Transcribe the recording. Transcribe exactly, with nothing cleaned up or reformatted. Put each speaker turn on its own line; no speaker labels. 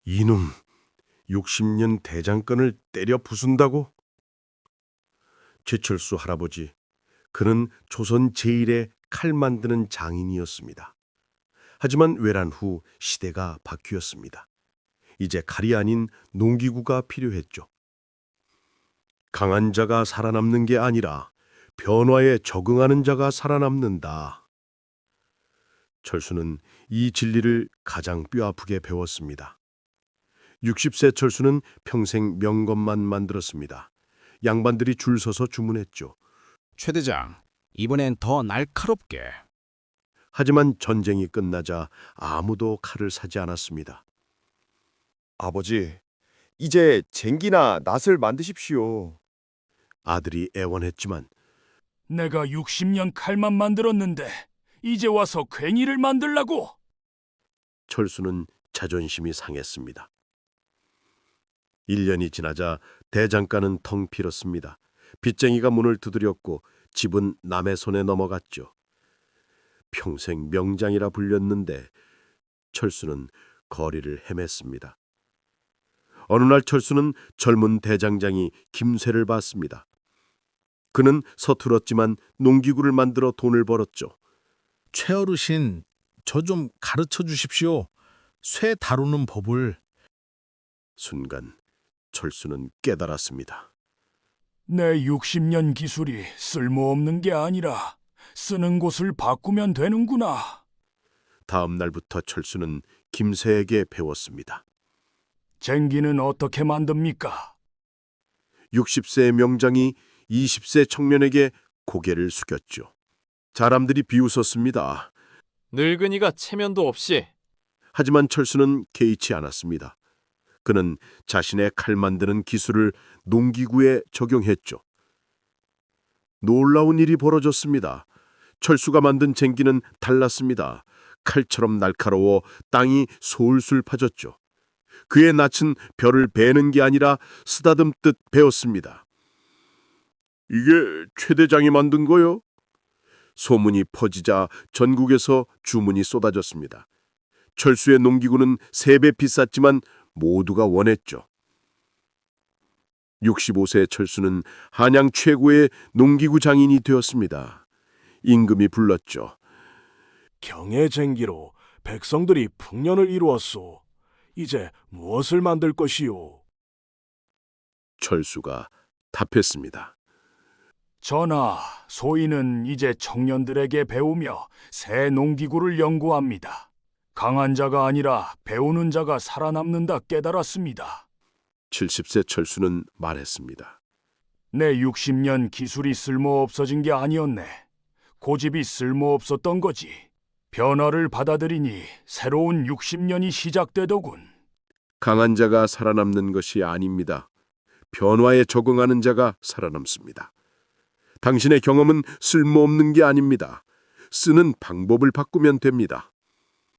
이놈, 육십 년 대장간을 때려 부순다고? 최철수 할아버지, 그는 조선 제일의 칼 만드는 장인이었습니다. 하지만 외란 후 시대가 바뀌었습니다. 이제 칼이 아닌 농기구가 필요했죠. 강한 자가 살아남는 게 아니라 변화에 적응하는 자가 살아남는다. 철수는 이 진리를 가장 뼈아프게 배웠습니다. 육십 세 철수는 평생 명검만 만들었습니다. 양반들이 줄 서서 주문했죠.
최 대장, 이번엔 더 날카롭게.
하지만 전쟁이 끝나자 아무도 칼을 사지 않았습니다.
아버지, 이제 쟁기나 낫을 만드십시오.
아들이 애원했지만
내가 육십 년 칼만 만들었는데 이제 와서 괭이를 만들라고?
철수는 자존심이 상했습니다. 일 년이 지나자 대장간은 텅 비었습니다. 빚쟁이가 문을 두드렸고 집은 남의 손에 넘어갔죠. 평생 명장이라 불렸는데 철수는 거리를 헤맸습니다. 어느 날 철수는 젊은 대장장이 김쇠를 봤습니다. 그는 서툴었지만 농기구를 만들어 돈을 벌었죠.
최어르신, 저 좀 가르쳐 주십시오. 쇠 다루는 법을.
순간 철수는 깨달았습니다.
내 육십 년 기술이 쓸모없는 게 아니라 쓰는 곳을 바꾸면 되는구나.
다음 날부터 철수는 김쇠에게 배웠습니다.
쟁기는 어떻게 만듭니까?
육십 세의 명장이 이십 세 청년에게 고개를 숙였죠. 사람들이 비웃었습니다.
늙은이가 체면도 없이.
하지만 철수는 개의치 않았습니다. 그는 자신의 칼 만드는 기술을 농기구에 적용했죠. 놀라운 일이 벌어졌습니다. 철수가 만든 쟁기는 달랐습니다. 칼처럼 날카로워 땅이 솔솔 파졌죠. 그의 낯은 벼를 베는 게 아니라 쓰다듬듯 베었습니다. 이게 최 대장이 만든 거요? 소문이 퍼지자 전국에서 주문이 쏟아졌습니다. 철수의 농기구는 세 배 비쌌지만 모두가 원했죠. 육십오 세 철수는 한양 최고의 농기구 장인이 되었습니다. 임금이 불렀죠.
경의 쟁기로 백성들이 풍년을 이루었소. 이제 무엇을 만들 것이요?
철수가 답했습니다.
전하, 소인은 이제 청년들에게 배우며 새 농기구를 연구합니다. 강한 자가 아니라 배우는 자가 살아남는다 깨달았습니다.
칠십 세 철수는 말했습니다.
내 육십 년 기술이 쓸모없어진 게 아니었네. 고집이 쓸모없었던 거지. 변화를 받아들이니 새로운 육십 년이 시작되더군.
강한 자가 살아남는 것이 아닙니다. 변화에 적응하는 자가 살아남습니다. 당신의 경험은 쓸모없는 게 아닙니다. 쓰는 방법을 바꾸면 됩니다.